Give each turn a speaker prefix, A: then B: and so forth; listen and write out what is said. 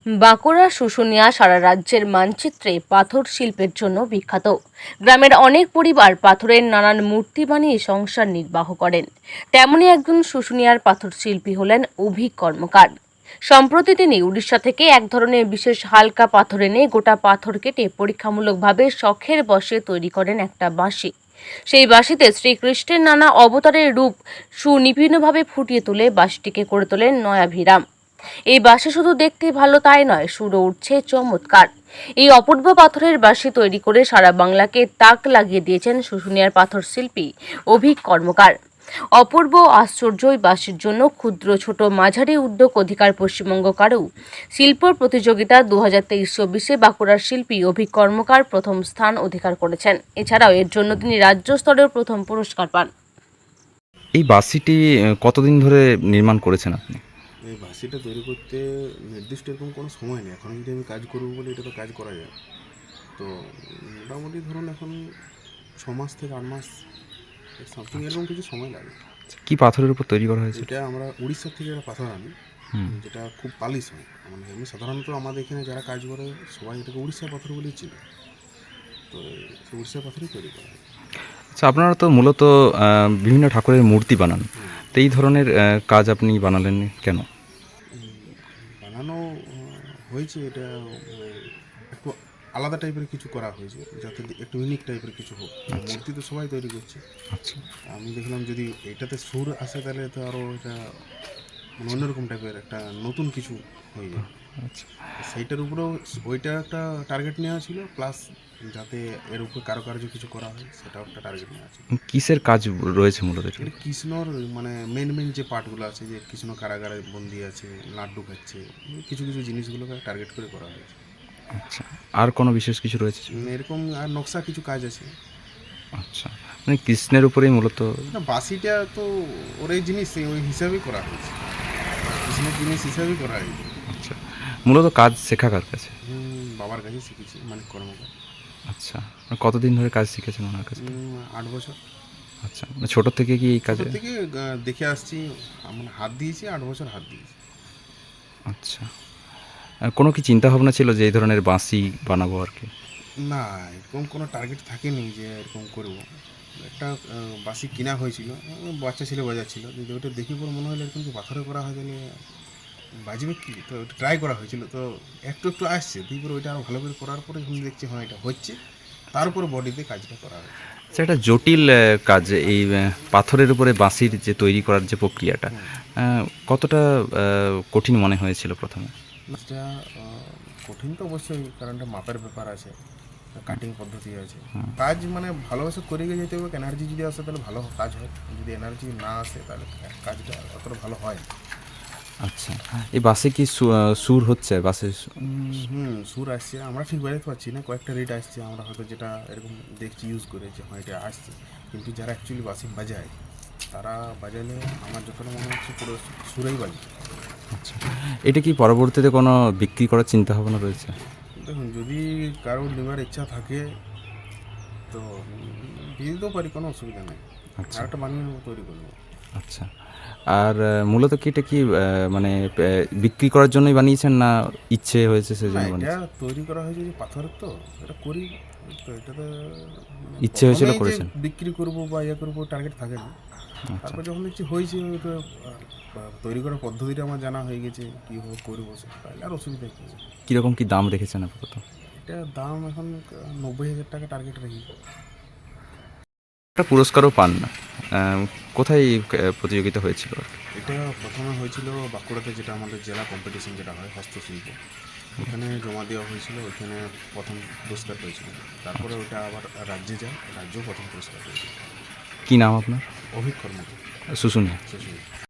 A: বাঁকুড়া শুশুনিয়া সারা রাজ্যের মানচিত্রে পাথর শিল্পের জন্য বিখ্যাত। গ্রামের অনেক পরিবার পাথরের নানান মূর্তি বানিয়ে সংসার নির্বাহ করেন। তেমনই একজন শুশুনিয়ার পাথর শিল্পী হলেন অভিক কর্মকার। সম্প্রতি তিনি উড়িষ্যা থেকে এক ধরনের বিশেষ হালকা পাথর এনে গোটা পাথর কেটে পরীক্ষামূলকভাবে শখের বশে তৈরি করেন একটা বাঁশি। সেই বাঁশিতে শ্রীকৃষ্ণের নানা অবতারের রূপ সুনিপুণভাবে ফুটিয়ে তুলে বাঁশিটিকে করে তোলেন নয়াভিরাম। এই বাঁশি শুধু দেখতে ভালো তাই নয়, সুরও উঠছে চমৎকার। এই অপূর্ব পাথরের বাঁশি তৈরি করে সারা বাংলাকে তাক লাগিয়ে দিয়েছেন শুশুনিয়ার পাথর শিল্পী অভিক কর্মকার। অপূর্ব আশ্চর্য এই বাঁশির জন্য ক্ষুদ্র ছোট মাঝারি উদ্যোগ অধিকার পশ্চিমবঙ্গ কারু শিল্প প্রতিযোগিতা 2023-24 বাঁকুড়ার শিল্পী অভিক কর্মকার প্রথম স্থান অধিকার করেছেন। এছাড়াও এর জন্য তিনি রাজ্য স্তরের প্রথম পুরস্কার পান।
B: এই বাঁশিটি কতদিন ধরে নির্মাণ করেছেন আপনি?
C: এই বাঁশিটা তৈরি করতে নির্দিষ্ট এরকম কোনো সময় নেই। এখন যদি আমি কাজ করবো বলে এটা তো কাজ করা যায়। তো মোটামুটি ধরুন এখন 6 মাস থেকে 8 মাস সামথিং এরকম কিছু সময় লাগে।
B: কি পাথরের উপর তৈরি করা হয়েছে?
C: এটা আমরা উড়িষ্যা থেকে একটা পাথর আনি, যেটা খুব পালিশ হয়। মানে এমনি সাধারণত আমাদের এখানে যারা কাজ করে সবাই এটাকে উড়িষ্যা পাথর বলেই চিনে। তো সেই উড়িষ্যা পাথরই তৈরি করা হয়।
B: আচ্ছা, আপনারা তো মূলত বিভিন্ন ঠাকুরের মূর্তি বানান, তো এই ধরনের কাজ আপনি বানালেন কেন?
C: বানানো হয়েছে এটা একটু আলাদা টাইপের কিছু করা হয়েছে, যাতে একটু ইউনিক টাইপের কিছু হোক। মূর্তি তো সবাই তৈরি করছে।
B: আচ্ছা,
C: আমি দেখলাম যদি এটাতে সুর আসে তাহলে তো আরও এটা মানে অন্যরকম টাইপের একটা নতুন কিছু হয়ে যায়।
B: আচ্ছা,
C: সেইটার উপরেও ওইটা একটা টার্গেট নেওয়া ছিল, প্লাস যাতে এর উপরে কারুকার্য কিছু করা হয় সেটাও একটা টার্গেট নেওয়া ছিল।
B: কিসের কাজ রয়েছে মূলত এটা?
C: এটা কৃষ্ণর মানে মেন যে পার্টগুলো আছে, যে কৃষ্ণ কারাগারে বন্দি আছে, লাড্ডু খাচ্ছে, কিছু কিছু জিনিসগুলোকে টার্গেট করে করা হয়েছে।
B: আচ্ছা, আর কোনো বিশেষ কিছু রয়েছে?
C: এরকম আর নকশা কিছু কাজ আছে।
B: আচ্ছা, মানে কৃষ্ণের উপরেই মূলত?
C: না, বাঁশিটা তো ওর এই জিনিস ওই হিসাবেই করা হয়েছে, কৃষ্ণের জিনিস হিসাবেই করা হয়েছে।
B: আচ্ছা, মূলত কাজ শেখা কার কাছে?
C: বাবার কাছে শিখেছি, মানিক কর্মকার।
B: আচ্ছা, মানে কতদিন ধরে কাজ শিখেছেন ওনার কাছে?
C: 8 বছর।
B: আচ্ছা, মানে ছোটো থেকে কি এই কাজে?
C: ছোটো থেকে দেখে আসছি, মানে হাত দিয়েছি, 8 বছর হাত দিয়েছি।
B: আচ্ছা, কোনো কি চিন্তা ভাবনা ছিল যে এই ধরনের বাঁশি বানাবো আর কি?
C: না, এরকম কোনো টার্গেট থাকেনি যে এরকম করব। একটা বাঁশি কিনা হয়েছিল, বাচ্চা ছেলে বাজাচ্ছিল, যদি ওটা দেখি পরে মনে হলো এরকম যে পাথরে করা হয় তাহলে বাজবে কি, তো ওটা ট্রাই করা হয়েছিল। তো একটু একটু আসছে, তারপরে ওইটা আরও ভালো করে করার পরে যখন দেখছি হ্যাঁ এটা হচ্ছে, তারপরে বডিতে কাজটা করা হয়েছে।
B: আচ্ছা, একটা জটিল কাজ এই পাথরের উপরে বাঁশির যে তৈরি করার যে প্রক্রিয়াটা, কতটা কঠিন মনে হয়েছিল প্রথমে?
C: এটা কঠিন তো অবশ্যই, কারণ এটা মাপের ব্যাপার আছে, কাটিং পদ্ধতি আছে। কাজ মানে ভালোবাসে করে গিয়ে যেতে হবে। এনার্জি যদি আসে তাহলে ভালো কাজ হয়, যদি এনার্জি না আসে তাহলে কাজটা অতটা ভালো হয় না।
B: আচ্ছা, এই বাসে কি সুর হচ্ছে বাসে?
C: সুর আসছে, আমরা ঠিক বাজাতে পারছি না, কয়েকটা রেট আসছে, আমরা হয়তো যেটা এরকম দেখছি ইউজ করে যে হ্যাঁ এটা আসছে, কিন্তু যারা অ্যাকচুয়ালি বাসি বাজায় তারা বাজালে আমার যতটা মনে হচ্ছে পুরো সুরেই বাজে।
B: আচ্ছা, এটা কি পরবর্তীতে কোনো বিক্রি করার চিন্তা ভাবনা রয়েছে?
C: দেখুন, যদি কারোর নেওয়ার ইচ্ছা থাকে তো দিয়ে দিতেও পারি, কোনো অসুবিধা নেই।
B: আচ্ছা,
C: আর একটা বানিয়ে তৈরি করবো।
B: আচ্ছা, আর মূলত কি এটা কি মানে বিক্রি করার জন্যই বানিয়েছেন না ইচ্ছে হয়েছে
C: না,
B: সেজন্য
C: এটা
B: বানিয়েছেন?
C: তৈরি করা হয়েছে যে পাথরের, তো এটা করি। তো এটাতে
B: ইচ্ছে হয়েছিল
C: প্রথমেই যে
B: করেছেন?
C: বিক্রি করবো বা ইয়ে করবো টার্গেট থাকে না।
B: আচ্ছা,
C: তারপর যখন দেখছি হয়েছে, ওটা তৈরি করার পদ্ধতিটা আমার জানা হয়ে গেছে, কীভাবে করবো, তাহলে আর অসুবিধা কী আছে।
B: কীরকম কি দাম রেখেছেন আপাতত?
C: এটার দাম এখন 90,000 টাকা টার্গেট রাখি।
B: একটা পুরস্কারও পান না, কোথায় প্রতিযোগিতা হয়েছিল?
C: এটা প্রথমে হয়েছিল বাঁকুড়াতে, যেটা আমাদের জেলা কম্পিটিশন যেটা হয় হস্তশিল্প, ওখানে জমা দেওয়া হয়েছিল, ওইখানে প্রথম পুরস্কার পেয়েছিল। তারপরে ওটা আবার রাজ্যে যায়, রাজ্যেও প্রথম পুরস্কার পেয়েছিল।
B: কি নাম আপনার?
C: অভিক কর্মকার,
B: শুশুনিয়া।
C: সুশীল।